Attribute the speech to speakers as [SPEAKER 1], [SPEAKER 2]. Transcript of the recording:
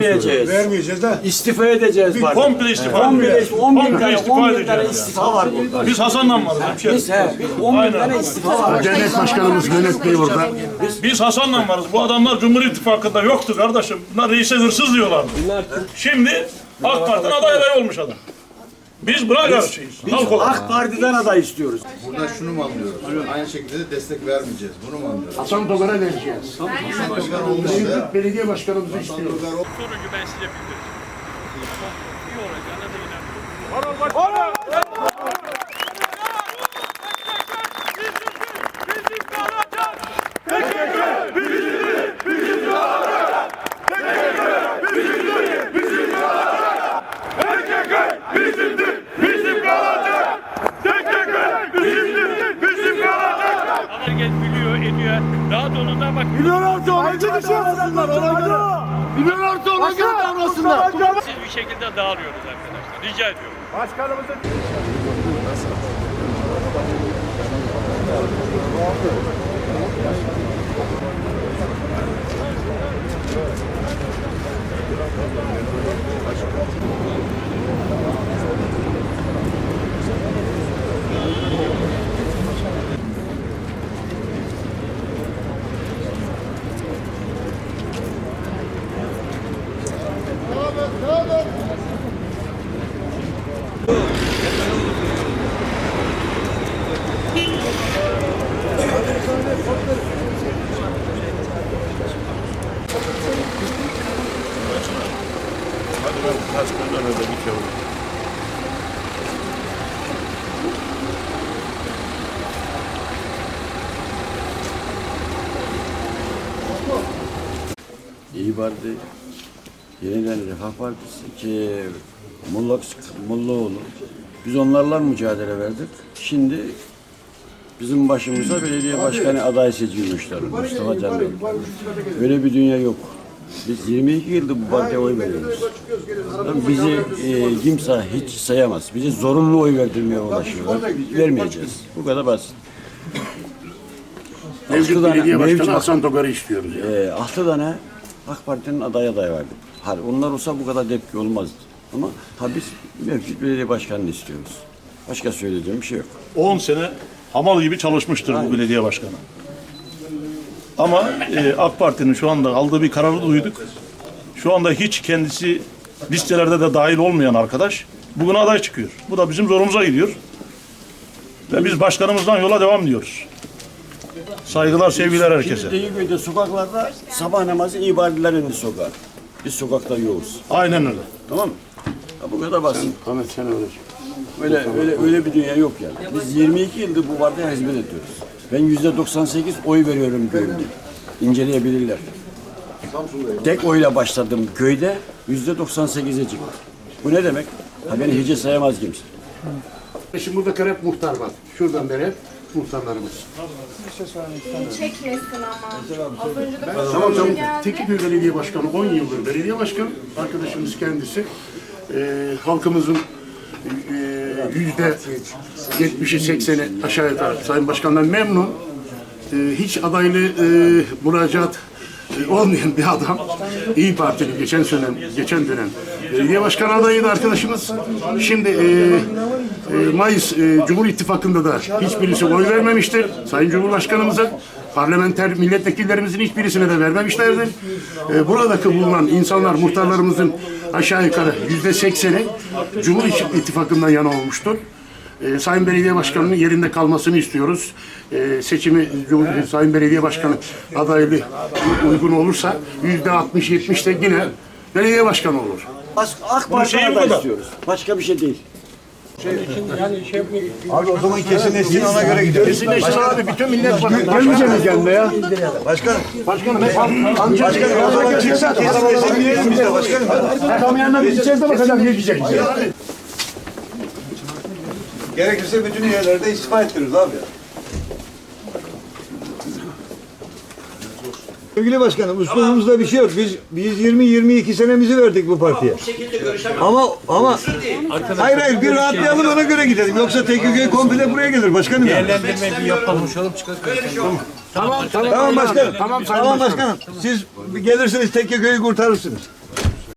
[SPEAKER 1] Vermeyeceğiz de.
[SPEAKER 2] İstifa edeceğiz.
[SPEAKER 3] Komple istifa edeceğiz.
[SPEAKER 2] 10 bin tane istifa var burada.
[SPEAKER 3] Biz Hasan'la varız.
[SPEAKER 2] Biz 10 bin tane istifa var.
[SPEAKER 1] Cennet Başkanımız Mehmet Bey burada.
[SPEAKER 3] Biz Hasan'la varız. Bu adamlar Cumhur İttifakı'nda yoktu kardeşim. Bunlar reise hırsız diyorlardı. Şimdi AK Parti'den aday olmuş adam. Biz buna karşıyız. Halk olarak.
[SPEAKER 2] AK Parti'den aday istiyoruz.
[SPEAKER 4] Burada şunu mu anlıyoruz? Aynı şekilde de destek vermeyeceğiz. Bunu mu anlıyoruz?
[SPEAKER 1] Hasan Dogar'a vereceğiz.
[SPEAKER 4] Hasan olmadı.
[SPEAKER 1] Belediye başkanımızı istiyoruz.
[SPEAKER 5] Sonucu ben size bildireceğim. İyi olacağına da inanıyorum. Herkes biliyor, ediyor. Daha donundan bak.
[SPEAKER 1] Milyonlarca ona göre davransınlar. Milyonlarca ona göre davransınlar.
[SPEAKER 5] Siz bir şekilde dağılıyoruz arkadaşlar. Rica ediyorum.
[SPEAKER 3] Hadi ben kaç gün önce bitiyorum.
[SPEAKER 6] İyi Parti, Yeniden Refah Partisi ki Mollaoğlu. Biz onlarla mücadele verdik. Şimdi bizim başımıza belediye başkanı aday seçilmişler. Mustafa Canlı. Böyle bir dünya yok. Biz 22 yıldır bu partiye oy veriyoruz. Bizi kimse hiç sayamaz. Bizi zorunlu oy verdirmeye uğraşıyorlar. Vermeyeceğiz. Bu kadar basit.
[SPEAKER 1] Mevcut belediye başkanı Hasan Dogar'ı istiyoruz.
[SPEAKER 6] 6 tane AK Parti'nin aday verdik. Onlar olsa bu kadar tepki olmazdı. Ama biz mevcut belediye başkanını istiyoruz. Başka söyleyeceğim bir şey yok.
[SPEAKER 3] 10 sene hamal gibi çalışmıştır bu belediye başkanı. Ama AK Parti'nin şu anda aldığı bir kararı duyduk. Şu anda hiç kendisi listelerde de dahil olmayan arkadaş bugün aday çıkıyor. Bu da bizim zorumuza gidiyor. Ve biz başkanımızdan yola devam diyoruz. Saygılar, sevgiler herkese.
[SPEAKER 6] Şimdi Deyiköy'de sokaklarda sabah namazı ibadetler indi sokağa. Biz sokakta yoğuz.
[SPEAKER 3] Aynen öyle.
[SPEAKER 6] Tamam mı? Bu kadar basit.
[SPEAKER 1] Ahmet sen öyle.
[SPEAKER 6] Öyle bir dünya yok yani. Biz 22 yıldır bu partiye hizmet ediyoruz. Ben %98 oy veriyorum köyümde. İnceleyebilirler. Tek oyla başladım köyde %98'e çıktı. Bu ne demek? Beni hiç sayamaz kimse.
[SPEAKER 1] Şimdi burada hep muhtar var. Şuradan beri hep muhtarlarımız.
[SPEAKER 7] Çekmesin ama. Az önce de
[SPEAKER 1] Tamam. Tekirdağ Belediye Başkanı 10 yıldır belediye başkanı. Arkadaşımız kendisi. Halkımızın %70'i 80'i aşağı yukarı Sayın Başkan'dan memnun. Hiç adaylı müracaat olmayan bir adam. İyi Partili geçen dönem belediye başkanı adayıydı arkadaşımız. Şimdi Mayıs Cumhur İttifakı'nda da hiçbirisi oy vermemiştir. Sayın Cumhurbaşkanımıza parlamenter milletvekillerimizin hiçbirisine de vermemişlerdir. Buradaki bulunan insanlar, muhtarlarımızın aşağı yukarı %80'i Cumhur İttifakı'ndan yana olmuştur. Sayın Belediye Başkanı'nın yerinde kalmasını istiyoruz. Seçimi Sayın Belediye Başkanı adaylığı uygun olursa %60-70 de yine belediye başkanı olur.
[SPEAKER 6] AK Parti'ye aday istiyoruz. Başka bir şey değil.
[SPEAKER 4] Abi o zaman kesinleşsin ona göre gidiyor.
[SPEAKER 1] Kesinleşsin abi bütün millet
[SPEAKER 4] Gelmeyeceğiz kendine ya. Başkanım.
[SPEAKER 1] Başkanım ancak
[SPEAKER 4] O zaman çıksa kesinleşsin diyelim biz de başkanım.
[SPEAKER 1] tam yanına gideceğiz de bakacağım ne diyecek bize.
[SPEAKER 4] Gerekirse bütün yerlerde istifa ettiririz abi ya. Sevgili başkanım, üslubumuzda bir şey yok. Biz 20-22 senemizi verdik bu partiye. Ama hayır bir rahatlayalım ona göre gidelim. Yoksa TKK komple buraya gelir başkanım.
[SPEAKER 5] değerlendirme bir yapalım.
[SPEAKER 4] Tamam başkanım. Tamam başkanım. Siz gelirsiniz TKK'yı kurtarırsınız.